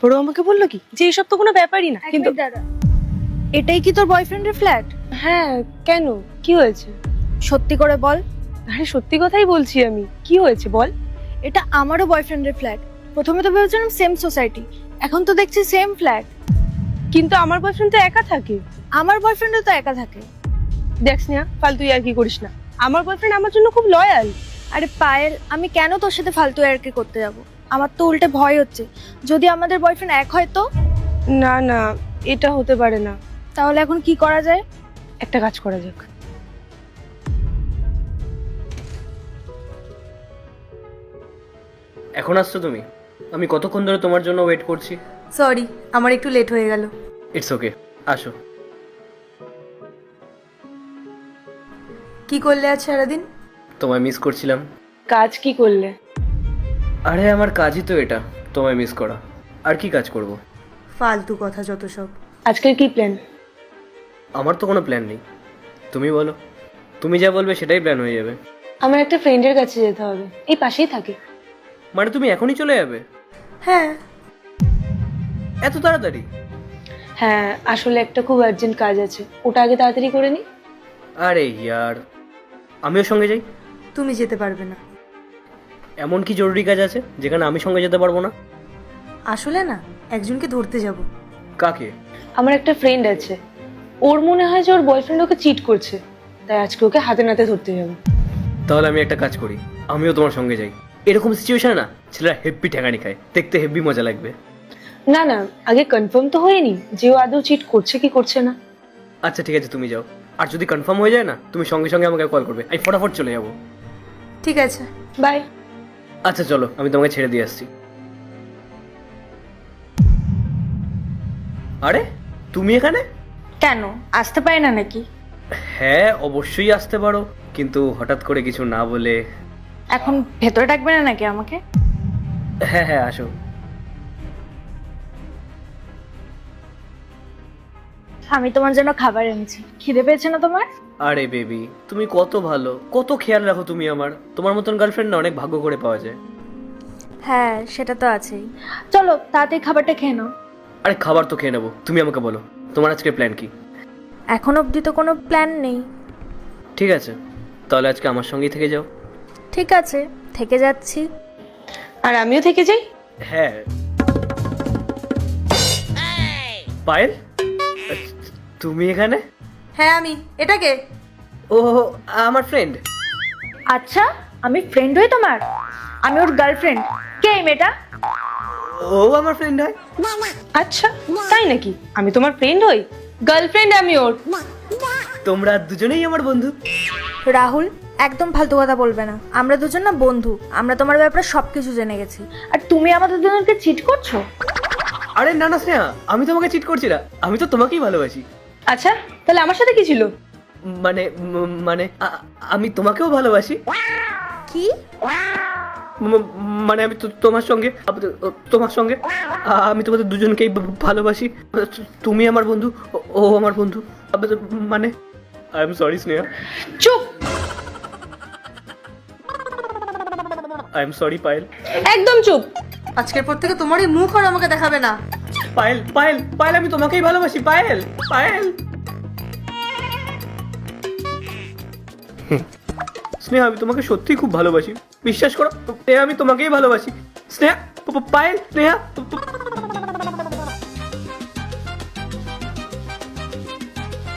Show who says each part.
Speaker 1: বড় আমাকে বললো কি যে এইসব তো কোনো ব্যাপারই না, কিন্তু
Speaker 2: দাদা, এটাই কি তোর বয়ফ্রেন্ডের ফ্ল্যাট?
Speaker 1: হ্যাঁ কেন, কি হয়েছে?
Speaker 2: সত্যি করে বল।
Speaker 1: আরে সত্যি কথাই বলছি আমি, কি হয়েছে বল।
Speaker 2: এটা আমারও বয়ফ্রেন্ডের ফ্ল্যাট। প্রথমে তো ভেবেছিলাম সেম সোসাইটি, এখন তো দেখছি সেম ফ্ল্যাট।
Speaker 1: কিন্তু আমার বয়ফ্রেন্ড তো একা থাকে।
Speaker 2: আমার বয়ফ্রেন্ডও তো একা থাকে।
Speaker 1: দেখ স্নেহা, ফালতু আর কি করিস না, আমার বয়ফ্রেন্ড আমার জন্য খুব লয়াল।
Speaker 2: আরে পায়েল, আমি কেন তোর সাথে ফালতু ইয়ার্কি করতে যাব? আমার তো উল্টে ভয় হচ্ছে, যদি আমাদের বয়ফ্রেন্ড এক হয় তো?
Speaker 1: না না, এটা হতে পারে না।
Speaker 2: তাহলে এখন কি করা যায়?
Speaker 1: একটা কাজ করা যাক।
Speaker 3: এখন আসছো তুমি? আমি কতক্ষণ ধরে তোমার জন্য ওয়েট করছি।
Speaker 4: সরি, আমার একটু লেট হয়ে গেল।
Speaker 3: ইটস ওকে, আসো।
Speaker 4: কি করলে আজ সারাদিন?
Speaker 3: তোমায় মিস করছিলাম।
Speaker 1: কাজ কি করলে?
Speaker 3: আরে আমার কাজই তো এটা, তোমায় মিস করা। আর কি কাজ করব?
Speaker 4: ফালতু কথা যত সব।
Speaker 1: আজকের কি প্ল্যান?
Speaker 3: আমার তো কোনো প্ল্যান নেই, তুমি বলো। তুমি যা বলবে সেটাই প্ল্যান হয়ে যাবে।
Speaker 1: আমার একটা ফ্রেন্ডের কাছে যেতে হবে, এই পাশেই থাকে।
Speaker 3: মানে তুমি এখনই চলে যাবে?
Speaker 4: হ্যাঁ।
Speaker 3: এত তাড়াতাড়ি?
Speaker 1: হ্যাঁ, আসলে একটা খুব আর্জেন্ট কাজ আছে, ওটা আগে তাড়াতাড়ি করে নি।
Speaker 3: আরে ইয়ার, আমিও সঙ্গে যাই।
Speaker 4: তুমি যেতে পারবে না।
Speaker 3: এমন কি জরুরি কাজ আছে যেখানে আমি সঙ্গে যেতে পারবো না?
Speaker 4: আসলে না, একজনকে ধরতে যাব।
Speaker 3: কাকে?
Speaker 1: আমার একটা ফ্রেন্ড আছে, ওর মনে হয় যে ওর বয়ফ্রেন্ড ওকে চিট করছে, তাই আজকে ওকে হাতে নাতে ধরতে যাবো।
Speaker 3: তাহলে আমি একটা কাজ করি, আমিও তোমার সঙ্গে যাই। এরকম সিচুয়েশনে না ছেলেরা হেব্বি ঠেকানি খায়, দেখতে হেব্বি মজা লাগবে।
Speaker 1: না না, আগে কনফার্ম তো হয়নি যে ও আদৌ চিট করছে কি করছে না।
Speaker 3: আচ্ছা ঠিক আছে, তুমি যাও। আর যদি কনফার্ম হয়ে যায় না, তুমি সঙ্গে সঙ্গে আমাকে কল করবে, আমি ফটাফট চলে যাবো।
Speaker 4: ঠিক আছে।
Speaker 1: বাই।
Speaker 3: আচ্ছা চলো, আমি তোমাকে ছেড়ে দিয়ে আসছি। আরে তুমি এখানে?
Speaker 2: কেন, আসতে পারে না নাকি?
Speaker 3: হ্যাঁ অবশ্যই আসতে পারো, কিন্তু হঠাৎ করে কিছু না বলে।
Speaker 2: এখন ভেতরে ডাকবে না নাকি আমাকে?
Speaker 3: হ্যাঁ হ্যাঁ আসো।
Speaker 2: আমি তোমার জন্য খাবার এনেছি, খিদে পেয়েছে না তোমার?
Speaker 3: আরে বেবি, তুমি কত ভালো, কত খেয়াল রাখো তুমি আমার। তোমার মতন গার্লফ্রেন্ড না অনেক ভাগ্য করে পাওয়া যায়।
Speaker 2: হ্যাঁ, সেটা তো আছেই। চলো তাড়াতাড়ি খাবারটা খেয়ে নাও।
Speaker 3: আরে খাবার তো খেয়ে নেবো, তুমি আমাকে বলো তোমার আজকের প্ল্যান কি?
Speaker 2: এখন অবধি তো কোনো প্ল্যান নেই।
Speaker 3: ঠিক আছে, তাহলে আজকে আমার সঙ্গেই থেকে যাও।
Speaker 2: ঠিক আছে, থেকে যাচ্ছি।
Speaker 1: আর আমিও থেকে যাই।
Speaker 3: হ্যাঁ। পায়েল, তুমি এখানে?
Speaker 4: হ্যাঁ আমি। এটাকে?
Speaker 3: ও আমার ফ্রেন্ড।
Speaker 2: আচ্ছা, আমি ফ্রেন্ড হই তোমার? আমি ওর গার্লফ্রেন্ড। কে এই মেয়েটা?
Speaker 3: ও আমার ফ্রেন্ড হয়?
Speaker 1: আচ্ছা তাই নাকি? আমি তোমার ফ্রেন্ড হই, গার্লফ্রেন্ড আমি ওর।
Speaker 3: তোমরা দুজনেই আমার বন্ধু।
Speaker 2: রাহুল, একদম ফালতু কথা বলবে না। আমরা দুজন না বন্ধু, আমরা তোমার ব্যাপারে সবকিছু জেনে গেছি। আর তুমি আমাদের দুজনকে চিট করছো?
Speaker 3: আরে না না স্নেহা, আমি তোমাকে চিট করছি না, আমি তো তোমাকেই ভালোবাসি।
Speaker 1: আচ্ছা তাহলে আমার সাথে কি ছিল?
Speaker 3: মানে মানে আমি তোমাকেও ভালোবাসি।
Speaker 2: কি?
Speaker 3: মানে আমি তোমার সঙ্গে, তোমার সঙ্গে আমি তোমাদের দুজনকেই ভালোবাসি। তুমি আমার বন্ধু, ও আমার বন্ধু। মানে আই এম সরি স্নেহা।
Speaker 1: চুপ।
Speaker 3: I am sorry Payel.
Speaker 1: একদম চুপ।
Speaker 4: আজকের পর থেকে তোমার এই মুখ আর আমাকে দেখাবে না।
Speaker 3: পায়েল পায়েল পায়েল, আমি তোমাকেই ভালোবাসি পায়েল। পায়েল। স্নেহা, আমি তোমাকে সত্যিই খুব ভালোবাসি, বিশ্বাস করো। স্নেহা, আমি তোমাকেই ভালোবাসি। স্নেহা, পায়েল, স্নেহা।